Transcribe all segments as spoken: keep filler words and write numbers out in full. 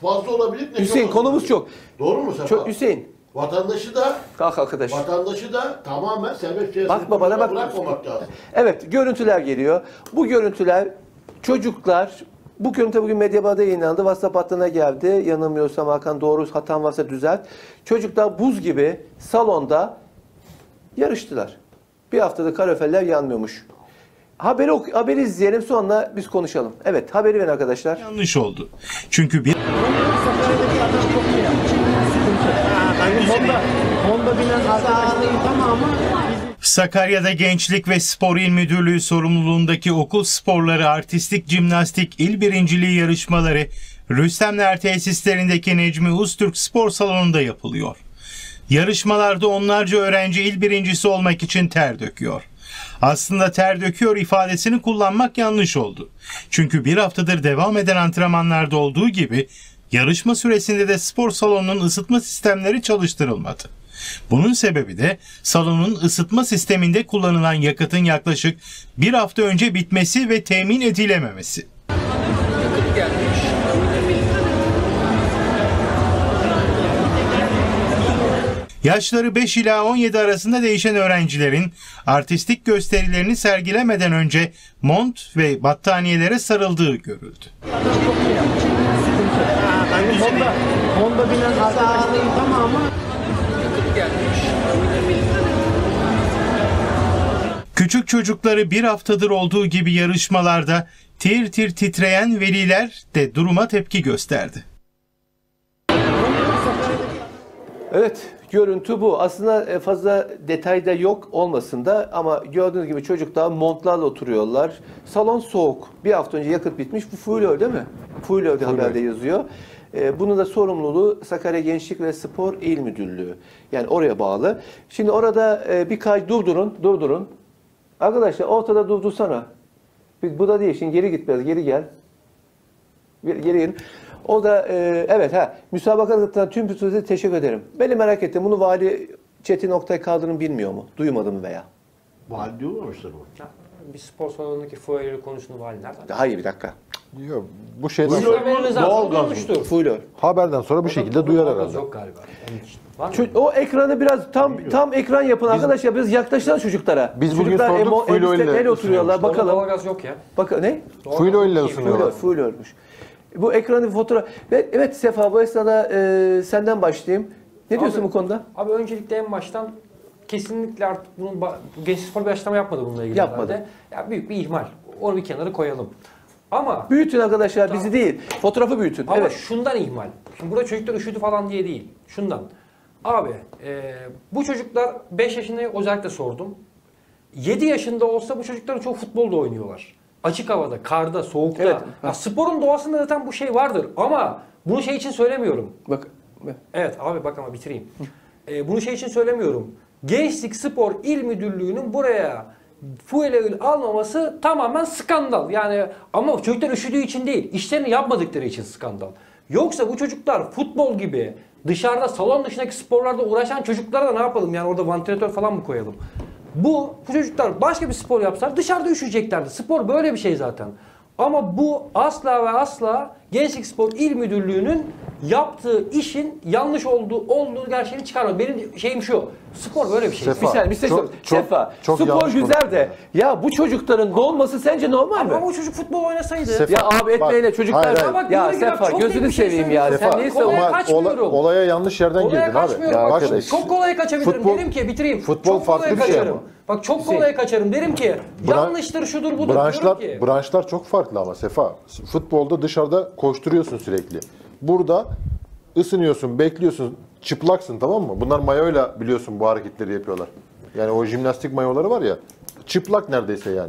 fazla olabilir. Ne Hüseyin çok konumuz çok. Doğru mu Sefa? Çok Hüseyin. Vatandaşı da Kalk arkadaş. vatandaşı da tamamen serbest piyasaya Bakma bana bak. bırakmamak lazım. Evet, görüntüler geliyor. Bu görüntüler çocuklar, bu görüntü bugün Medyaba'da yayınlandı. WhatsApp hattına geldi. Yanılmıyorsam Hakan, doğru hatam varsa düzelt. Çocuklar buz gibi salonda yarıştılar. Bir haftada kaloriferler yanmıyormuş. Haberi, ok- haberi izleyelim, sonra biz konuşalım. Evet, haberi verin arkadaşlar. Yanlış oldu. Çünkü bir Honda, Honda binen arkadaşların tamamı Sakarya'da Gençlik ve Spor İl Müdürlüğü sorumluluğundaki okul sporları artistik jimnastik il birinciliği yarışmaları Rüstemler tesislerindeki Necmi Öztürk Spor Salonu'nda yapılıyor. Yarışmalarda onlarca öğrenci il birincisi olmak için ter döküyor. Aslında ter döküyor ifadesini kullanmak yanlış oldu. Çünkü bir haftadır devam eden antrenmanlarda olduğu gibi yarışma süresinde de spor salonunun ısıtma sistemleri çalıştırılmadı. Bunun sebebi de salonun ısıtma sisteminde kullanılan yakıtın yaklaşık bir hafta önce bitmesi ve temin edilememesi. Yaşları beş ila on yedi arasında değişen öğrencilerin artistik gösterilerini sergilemeden önce mont ve battaniyelere sarıldığı görüldü. Honda, Honda binen arkadaşların tamamı Küçük çocukları bir haftadır olduğu gibi yarışmalarda tir tir titreyen veliler de duruma tepki gösterdi. Evet, görüntü bu. Aslında fazla detayda yok olmasın da ama gördüğünüz gibi çocuklar montlarla oturuyorlar. Salon soğuk. Bir hafta önce yakıt bitmiş. Bu full değil mi? Full öyle haberde yazıyor. Bunun da sorumluluğu Sakarya Gençlik ve Spor İl Müdürlüğü. Yani oraya bağlı. Şimdi orada birkaç durdurun, durdurun. Arkadaşlar ortada durdursana. Bu da değil. Şimdi geri git biraz, geri gel. Geri gelin. O da e, evet ha müsabakadan tüm pütürlüğe teşekkür ederim. Beni merak ettim. Bunu Vali Çetin Oktay Kaldırım bilmiyor mu? Duymadı mı veya? Vali diyorlarmışlar bu. Bir spor salonundaki fuarları konusunu vali nereden? Hayır bir dakika. Yok, bu şeyden Buyurun. sonra, Haberiniz Doğal gaz olmuştur. Full. haberden sonra bu şekilde duyar herhalde. Yok galiba. Onun için. Var mı? Şu- O ekranı biraz tam tam ekran yapın arkadaşlar. Biraz yaklaştılar çocuklara. Biz bugün Çocuklar sorduk, emo- full elbise- oil'le el oturuyorlar. Doğal- Bakalım. Doğalgaz yok ya. Bakın ne? Full oil ile Doğalgaz- Full, ısınıyorlar. full ölmüş. Bu ekranı fotoğraf. Ve evet Sefa, bu esnada e, senden başlayayım. Ne diyorsun Abi- bu konuda? Abi öncelikle en baştan kesinlikle artık bunun ba- bu Gençlik Spor bir açıklama yapmadı bununla ilgili. Yapmadı. herhalde. Ya büyük bir ihmal. Onu bir kenara koyalım. Ama Büyütün arkadaşlar, bizi değil. Fotoğrafı büyütün. Ama Evet. şundan ihmal. Şimdi burada çocuklar üşüdü falan diye değil. Şundan. Abi e, bu çocuklar beş yaşında özellikle sordum. yedi yaşında olsa bu çocukların çoğu futbolda oynuyorlar. Açık havada, karda, soğukta. Evet. Ya sporun doğasında zaten bu şey vardır. Ama bunu şey için söylemiyorum. Bak. Evet abi bak ama bitireyim. E, bunu şey için söylemiyorum. Gençlik Spor İl Müdürlüğü'nün buraya fuel oil almaması tamamen skandal. Yani ama çocuklar üşüdüğü için değil, işlerini yapmadıkları için skandal. Yoksa bu çocuklar futbol gibi dışarıda salon dışındaki sporlarda uğraşan çocuklara da ne yapalım? Yani orada vantilatör falan mı koyalım? Bu, bu çocuklar başka bir spor yapsalar dışarıda üşüyeceklerdi. Spor böyle bir şey zaten. Ama bu asla ve asla Gençlik Spor İl Müdürlüğü'nün yaptığı işin yanlış olduğu olduğu gerçeğini çıkarmıyor. Benim şeyim şu. Spor böyle bir şey. Sefa, Bir saniye, bir şey çok- söyleyeyim. çok- Sefa, çok spor yanlış güzel de ya bu çocukların dolması sence normal mi? Ama o çocuk futbol oynasaydı. Sefa- Ya abi etmeyle Bak, çocuklar. hayır, hayır. Bak, Ya yürü git abi, Sefa çok gözünü net bir şey seveyim ya. söylüyorum. Sen Sefa, niye kolay savunuyorsun? kaçmıyorum. olaya yanlış yerden Kolaya girdin abi. kaçmıyorum. Ya Bak, arkadaş. çok kolay kaçabilirim. Futbol- derim ki bitireyim. futbol çok kolay farklı bir şey kaçarım. ama. Bak çok kolay kaçarım. Derim ki Bran- yanlıştır şudur budur. Branşlar, Diyorum ki. branşlar çok farklı ama Sefa. Futbolda dışarıda koşturuyorsun sürekli. Burada ısınıyorsun, bekliyorsun, çıplaksın, tamam mı? Bunlar mayoyla biliyorsun bu hareketleri yapıyorlar. Yani o jimnastik mayoları var ya, çıplak neredeyse yani.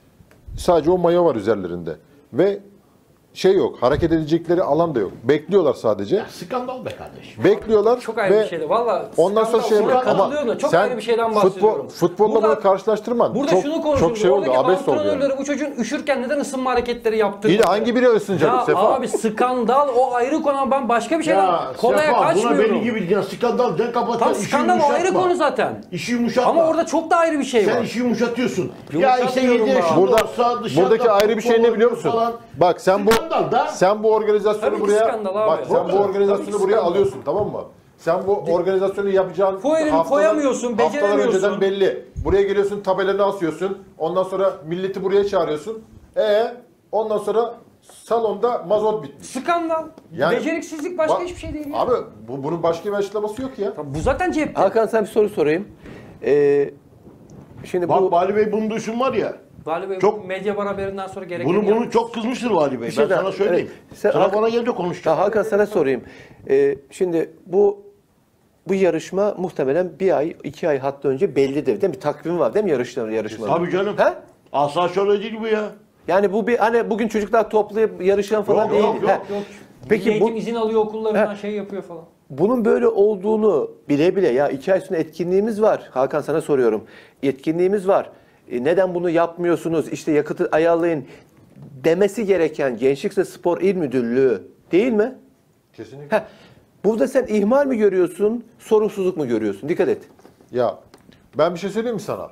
Sadece o mayo var üzerlerinde. Ve şey yok, hareket edecekleri alan da yok. Bekliyorlar sadece. Ya skandal be kardeşim. Bekliyorlar Çok ayrı ve bir şeydi. Valla ondan sonra şey skandal, ama katılıyorum da çok sen ayrı bir şeyden futbol, bahsediyorum. futbolla Burada- bunu karşılaştırman. Burada çok, şunu konuşuyoruz. çok şey oldu, Oradaki abes oldu yani. antrenörleri bu çocuğun üşürken neden ısınma hareketleri yaptırdı? İyi de hangi biri ısınacak Ya Sefa? abi skandal o ayrı konu ama ben başka bir şeyden Ya kolaya Sefa, buna kaçmıyorum. benim gibi ya skandal den kapatan Tam işi skandal o ayrı yumuşatma. konu zaten. İşi yumuşatma. Ama orada çok da ayrı bir şey sen var. işi yumuşatıyorsun. Ya işte Yumuşatmıyorum yedi ben. yaşında Burada, olsa dışarıda buradaki ayrı bir şey ne futbol biliyor musun? falan. Bak sen bu skandal da. Sen bu organizasyonu Tabii ki buraya skandal abi. bak sen Tabii bu ki organizasyonu buraya skandal. alıyorsun, tamam mı? Sen bu organizasyonu yapacağın Koyarım, haftalar- koyamıyorsun, haftalar beceremiyorsun. önceden belli. Buraya geliyorsun, tabelanı asıyorsun. Ondan sonra milleti buraya çağırıyorsun. E ondan sonra salonda mazot bitmiş. Skandal. Yani- Beceriksizlik başka Bak- hiçbir şey değil ya. Abi bu, bunun başka bir açıklaması yok ya. Bu zaten cepte. Hakan sana bir soru sorayım. Ee, şimdi Bak bu Vali Bey bunu düşün var ya. Vali Bey Çok- medya bar haberinden sonra gerekeni Bunu bunu yapmış. çok kızmıştır Vali Bey. Bir şey Ben daha- sana söyleyeyim. evet. Sen- Sana Hakan- bana gelince konuşacağım. Ya Hakan sana sorayım. Ee, şimdi bu bu yarışma muhtemelen bir ay, iki ay hatta önce bellidir değil mi? Takvim var değil mi yarışların yarışmanın? Tabii canım. He? Asla şöyle değil bu ya. Yani bu bir hani bugün çocuklar toplayıp yarışan falan Yok, değil. yok, yok, He. Yok. Peki Milli bu- Eğitim izin alıyor okullarından He. şey yapıyor falan. Bunun böyle olduğunu bile bile ya iki ay sonra etkinliğimiz var. Hakan sana soruyorum. Etkinliğimiz var. E, neden bunu yapmıyorsunuz? İşte yakıtı ayarlayın demesi gereken Gençlik ve Spor İl Müdürlüğü değil mi? Kesinlikle. Heh. Burada sen ihmal mi görüyorsun, sorumsuzluk mu görüyorsun? Dikkat et. Ya ben bir şey söyleyeyim mi sana?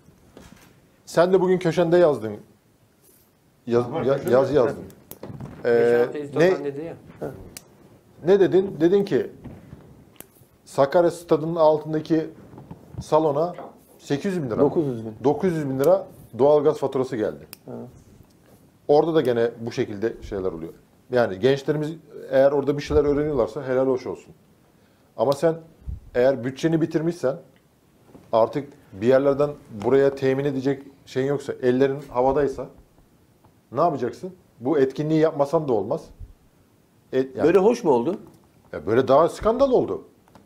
Sen de bugün köşende yazdın. Yaz, ya- yaz yazdın. Ee, Geçen hafta editörden ne, dedi ya. ne dedin? Dedin ki Sakarya Stadı'nın altındaki salona sekiz yüz bin lira. dokuz yüz bin. dokuz yüz bin lira doğalgaz faturası geldi. Orada da gene bu şekilde şeyler oluyor. Yani gençlerimiz eğer orada bir şeyler öğreniyorlarsa helal hoş olsun. Ama sen eğer bütçeni bitirmişsen artık bir yerlerden buraya temin edecek şeyin yoksa, ellerin havadaysa ne yapacaksın? Bu etkinliği yapmasan da olmaz. Et, yani Böyle hoş mu oldu? ya böyle daha skandal oldu.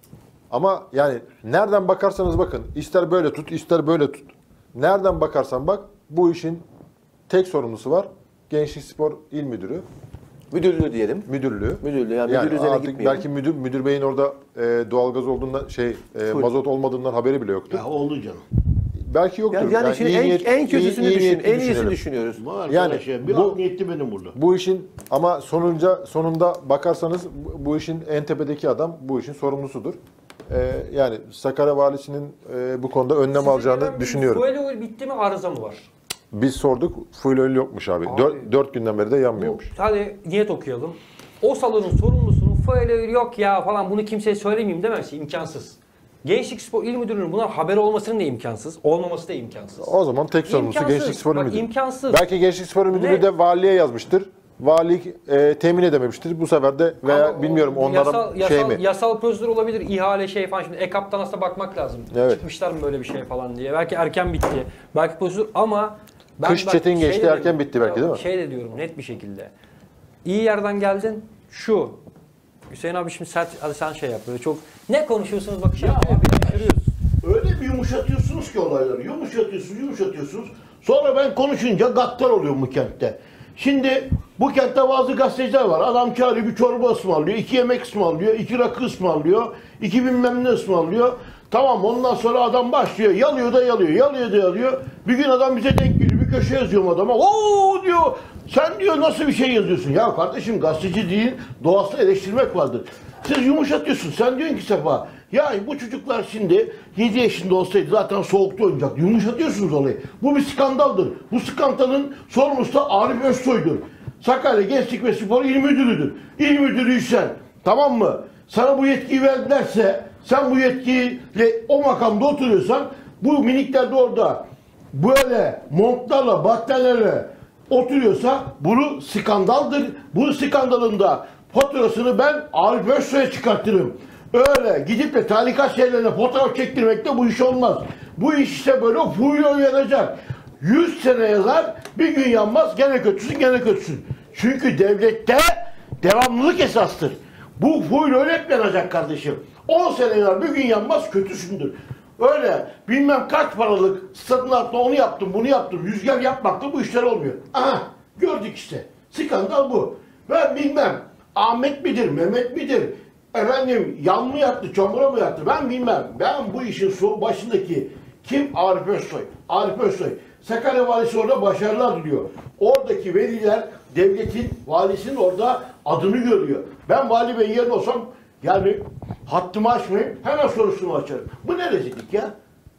Ama yani nereden bakarsanız bakın, ister böyle tut, ister böyle tut. Nereden bakarsan bak, bu işin tek sorumlusu var. Gençlik Spor İl Müdürü, Müdürlüğü diyelim. müdürlüğü. Müdürlüğü yani, Yani müdür üzerine artık gitmeyelim. belki müdür müdür beyin orada e, doğalgaz olduğundan şey e, Full. mazot olmadığından haberi bile yoktu. Ya oldu canım. Belki yoktur. Yani, yani şimdi iyi en, niyet- en kötüsünü iyi- iyi düşün, niyetli en iyisini düşünelim. düşünüyoruz. Bu Yani arkadaş ya, bir bu- art niyetli benim burada. Bu işin ama sonunca sonunda bakarsanız bu, bu işin en tepedeki adam bu işin sorumlusudur. E, yani Sakarya Valisi'nin e, bu konuda önlem Size alacağını gelen bir düşünüyorum. Fuel oil bitti mi, arıza mı var? Biz sorduk, fuel oil yokmuş abi. Abi. Dört, dört günden beri de yanmıyormuş. Hadi niyet okuyalım. O salonun sorumlusunun fuel oil yok ya falan, bunu kimseye söylemeyeyim demesi imkansız. Gençlik Spor İl Müdürlüğü'nün buna haber olmasının da imkansız, olması da imkansız. O zaman tek sorumlusu İmkansız. Gençlik Spor İl Bak, Müdürü. imkansız. Belki Gençlik Spor İl Müdürü Ne? de valiye yazmıştır. Vali e, temin edememiştir. Bu sefer de veya Ama o bilmiyorum onlara yasal, şey yasal, mi? Yasal prosedür olabilir, ihale şey falan. Şimdi E K P'tan aslında bakmak lazım. Evet. Çıkmışlar mı böyle bir şey falan diye. Belki erken bitti. Belki prosedür ama... Kış çetin şey geçti, de erken diyorum, bitti belki, ya değil mi? Şey de diyorum net bir şekilde. İyi yerden geldin. Şu. Hüseyin abi şimdi sert, hadi sen şey yap. Böyle çok ne konuşuyorsunuz bak şey yapıyor. Bir şaşırıyoruz. Öyle bir yumuşatıyorsunuz ki olayları. Yumuşatıyorsunuz, yumuşatıyorsunuz. Sonra ben konuşunca gaddar oluyorum bu kentte. Şimdi bu kentte bazı gazeteciler var. Adam çağırıyor, bir çorba ısmarlıyor, iki yemek ısmarlıyor, iki rakı ısmarlıyor, iki bilmem ne ısmarlıyor. Tamam, ondan sonra adam başlıyor. Yalıyor da yalıyor, yalıyor da yalıyor. Bir gün adam bize denk geliyor. Bir köşe yazıyorum adama. Oo diyor. Sen diyor nasıl bir şey yazıyorsun? Ya kardeşim, gazeteci değil, doğasını eleştirmek vardır. Siz yumuşatıyorsun. Sen diyorsun ki Sefa, ya bu çocuklar şimdi yedi yaşında olsaydı zaten soğukta oynayacaktı. Yumuşatıyorsunuz olayı. Bu bir skandaldır. Bu skandalın sorumlusu da Arif Özsoy'dur. Sakarya Gençlik ve Spor İl Müdürü'dür. İl Müdürüysen, tamam mı? Sana bu yetkiyi verdilerse, sen bu yetkiyle o makamda oturuyorsan, bu minikler de orada böyle montlarla, battaniyelerle oturuyorsa bunu skandaldır. Bu skandalın da faturasını ben Arif Özsoy'a çıkartırım. Öyle gidip de talikat şeylerine fotoğraf çektirmekle bu iş olmaz. Bu iş işte böyle full yanacak. Yüz sene yazar, bir gün yanmaz, gene kötüsün, gene kötüsün. Çünkü devlette devamlılık esastır. Bu full öyle hep yanacak kardeşim. on sene yanar, bir gün yanmaz, kötüsündür. Öyle bilmem kaç paralık stadın altında onu yaptım, bunu yaptım, rüzgar yapmakla bu işler olmuyor. Aha, gördük işte. Skandal bu. Ben bilmem Ahmet midir, Mehmet midir, efendim yan mı yattı, çamura mı yattı, ben bilmem. Ben bu işin so başındaki kim? Arif Özsoy. Arif Özsoy. Sakarya Valisi orada başarılar diliyor. Oradaki veliler devletin, valisinin orada adını görüyor. Ben Vali Bey'in yerine olsam yani hattımı açmayayım, hemen sorusunu açarım. Bu ne rezillik ya?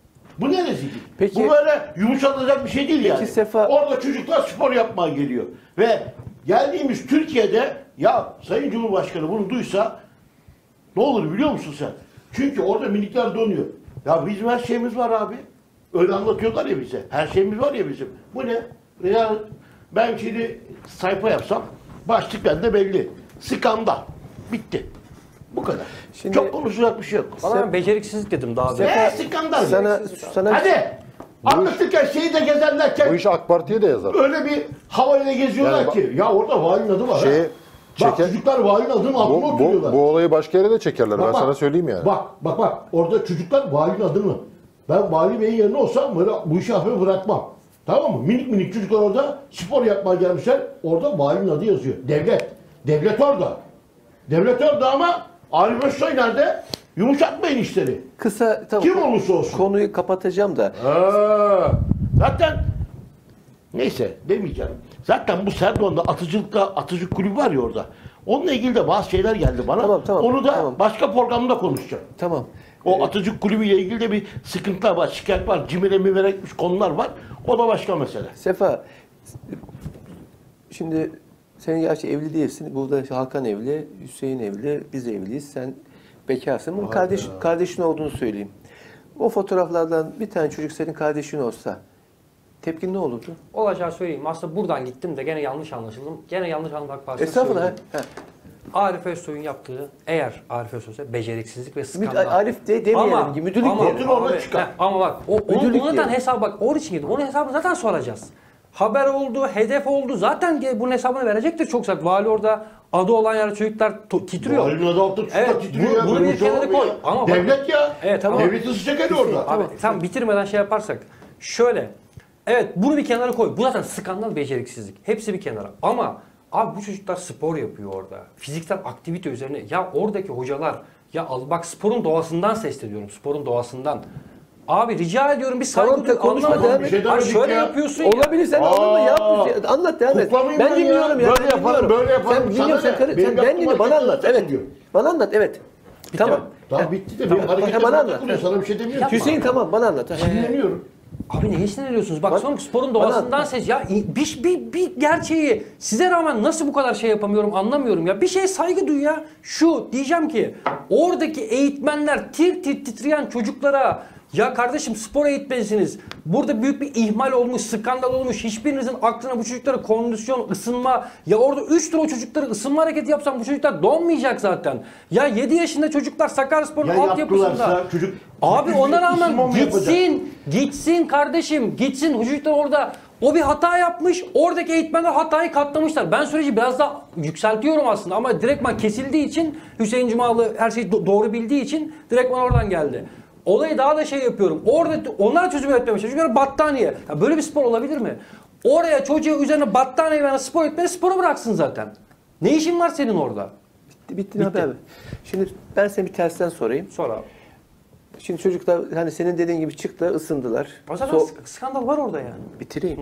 Bu ne rezillik? Peki- Bu böyle yumuşatılacak bir şey değil yani. Sefa- Orada çocuklar spor yapmaya geliyor. Ve geldiğimiz Türkiye'de ya Sayın Cumhurbaşkanı bunu duysa ne olur biliyor musun sen? Çünkü orada minikler donuyor. Ya bizim her şeyimiz var abi. Öyle anlatıyorlar ya bize. Her şeyimiz var ya bizim. Bu ne? Ya ben şimdi sayfa yapsam başlık bende belli. Skandal. Bitti. Bu kadar. Şimdi- Çok konuşacak bir şey yok. Valla ben beceriksizlik dedim daha önce. Ne skandal? Sana, sana Hadi. Anlatırken şeyi de gezerlerken Bu işi AK Parti'ye de yazar. öyle bir havayla geziyorlar Yani bak- ki. Ya orada valinin adı var. Şeye ha. Bak çeker- çocuklar valinin adının altına Bu, oturuyorlar. bu, bu olayı başka yere de çekerler. Bak, ben bak. sana söyleyeyim yani. Bak bak bak orada çocuklar valinin adını. Ben vali beyin yerine olsam böyle bu işi hafif bırakmam. Tamam mı? Minik minik çocuklar orada spor yapmaya gelmişler. Orada valinin adı yazıyor. Devlet. Devlet orada. Devlet orada ama Arif Özsoy nerede? Yumuşatmayın işleri. kısa tamam, Kim olursa olsun. konuyu kapatacağım da. Ha, zaten neyse demeyeceğim. Zaten bu Serdoğan'da atıcılıkta atıcı kulübü var ya orada. Onunla ilgili de bazı şeyler geldi bana. Tamam, tamam, Onu da tamam. başka programda konuşacağım. Tamam. O atıcı kulübüyle ilgili de bir sıkıntılar var, şikayet var, cimere mimere gitmiş konular var. O da başka mesele. Sefa, şimdi sen gerçi evli değilsin. Burada Hakan evli, Hüseyin evli, biz evliyiz. Sen bekarsın. Bunun kardeş, kardeşin olduğunu söyleyeyim. O fotoğraflardan bir tane çocuk senin kardeşin olsa tepkin ne olurdu? Olacağı söyleyeyim. Aslında buradan gittim de gene yanlış anlaşıldım. Gene yanlış anlamak parçası Estağfurullah. söyleyeyim. Ha. Arif Özsoy'un yaptığı, eğer Arif Özsoy'sa beceriksizlik ve Müd- skandal. Arif de demeyelim Ama- ki müdürlük ama, diyelim. orada abi, çıkar. he, ama bak o, onu, Müdürlük onu zaten diyelim. hesabı bak onun için girdim. Onun hesabını zaten soracağız. Haber oldu, hedef oldu. Zaten ge- bunun hesabını verecektir çok zaten. Vali orada adı olan yerde çocuklar to- titriyor. Valinin adı altı tutup Evet, da titriyor bu- ya, bunu böyle bir şey kenara olur mu koy. ya? Ama bak- Devlet ya. Evet, tamam. Devletin sıcak orada. Abi tam bitirmeden şey yaparsak. Şöyle. Evet bunu bir kenara koy. Bu zaten skandal beceriksizlik. Hepsi bir kenara. Ama abi bu çocuklar spor yapıyor orada. Fiziksel aktivite üzerine. Ya oradaki hocalar ya al bak sporun doğasından sesleniyorum. Sporun doğasından. Abi rica ediyorum bir saygı Tamam, duy. konuşma, Anlamadım. devam et. Bir şey Abi demedik şöyle ya. yapıyorsun ya. Olabilir, sen Aa, anladın yapmış. Anlat devam et. kuklamayayım Ben ben dinliyorum ya. ya. Böyle ben yaparım, dinliyorum. böyle yaparım. Sen Sana dinliyorsun, ne? sen, karı- Benim sen ben yaptığım dinliyorum. Bana hareketler anlat. Evet. takılıyor. Bana anlat. Evet. Tamam. Tamam bitti de Tamam, bir hareketler bana anlat. takılıyor. Sana bir şey demiyorum. Hüseyin tamam bana anlat. Ha. Sinirleniyorum. Abi neye sinirleniyorsunuz? Bak Bana- son sporun bana- doğasından ses. Ya bir, bir, bir gerçeği size rağmen nasıl bu kadar şey yapamıyorum anlamıyorum ya. Bir şeye saygı duy ya. Şu diyeceğim ki oradaki eğitmenler tir tir titreyen çocuklara ya kardeşim spor eğitmenisiniz. Burada büyük bir ihmal olmuş, skandal olmuş. Hiçbirinizin aklına bu çocuklara kondisyon, ısınma. Ya orada üç tur o çocuklara ısınma hareketi yapsam bu çocuklar donmayacak zaten. Ya yedi yaşında çocuklar Sakaryaspor'un Ya altyapısında. yaptılarsa çocuk... Abi ona rağmen ısınma mı yapacak? gitsin, gitsin kardeşim, gitsin. Çocuklar orada o bir hata yapmış, oradaki eğitmenler hatayı katlamışlar. Ben süreci biraz daha yükseltiyorum aslında ama direktman kesildiği için Hüseyin Cumalı her şeyi do- doğru bildiği için direktman oradan geldi. Olayı daha da şey yapıyorum. Orada onlar çözüm üretmemiş. Çocuklar battaniye. Ya böyle bir spor olabilir mi? Oraya çocuğa üzerine battaniye veren spor etmeni sporu bıraksın zaten. Ne işin var senin orada? Bitti, bitti, bitti. Abi. Şimdi ben seni bir tersten sorayım. Sonra abi. Şimdi çocuklar hani senin dediğin gibi çıktılar, ısındılar. O zaten So- sk- skandal var orada yani. bitireyim.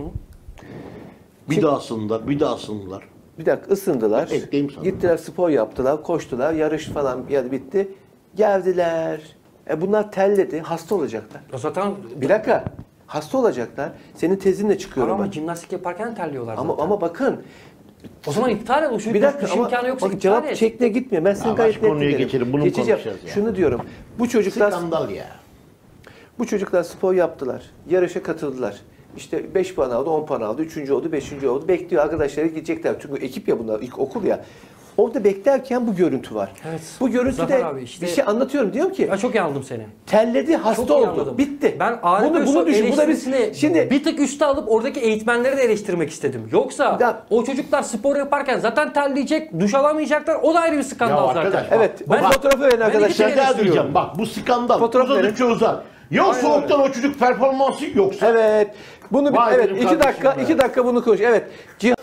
Bir daha sınırlar, bir daha sınırlar. Bir dakika ısındılar. Ekleyeyim sana. Gittiler spor yaptılar, koştular, yarış falan yani bitti. Geldiler. E bunlar telledi, hasta olacaklar. O zaten Bir dakika. Hasta olacaklar. Senin tezinle çıkıyorum ama ben. jimnastik yaparken terliyorlar zaten. Ama ama bakın O zaman iptal et. O şu bir dakika iş ama imkanı yoksa bak, iptal cevap et. şekline gitmiyor. Ben seni Ya gayet başka net konuya dinlerim. geçelim, bunu Geçeceğim. konuşacağız ya. Şunu diyorum. Bu çocuklar Skandal ya. bu çocuklar spor yaptılar. Yarışa katıldılar. İşte beş puan aldı, on puan aldı, üçüncü oldu, beşinci oldu. Bekliyor arkadaşları gidecekler. Çünkü ekip ya bunlar, ilk okul ya. Orada beklerken bu görüntü var. Evet. Bu görüntüde Zafer abi işte- bir şey anlatıyorum. Diyorum ki Ben çok iyi anladım seni. telledi, hasta Çok iyi oldu. anladım. Bitti. Ben Arif bunu, bunu Özsoy düşün. Bu da bir, eleştirisini şimdi bir tık üste alıp oradaki eğitmenleri de eleştirmek istedim. Yoksa Ya- o çocuklar spor yaparken zaten terleyecek, duş alamayacaklar. O da ayrı bir skandal Ya zaten. arkadaş, evet. Ben- bu fotoğrafı verin ben arkadaşlar. iki kere Şaka eleştiriyorum. diyeceğim. Bak bu skandal. Fotoğraf Uzadıkça uzar. Ya Aynen soğuktan o çocuk performansı yoksa. Evet. Bunu bir, Vay evet benim iki kardeşim dakika be. iki dakika bunu konuş. Evet. Cihan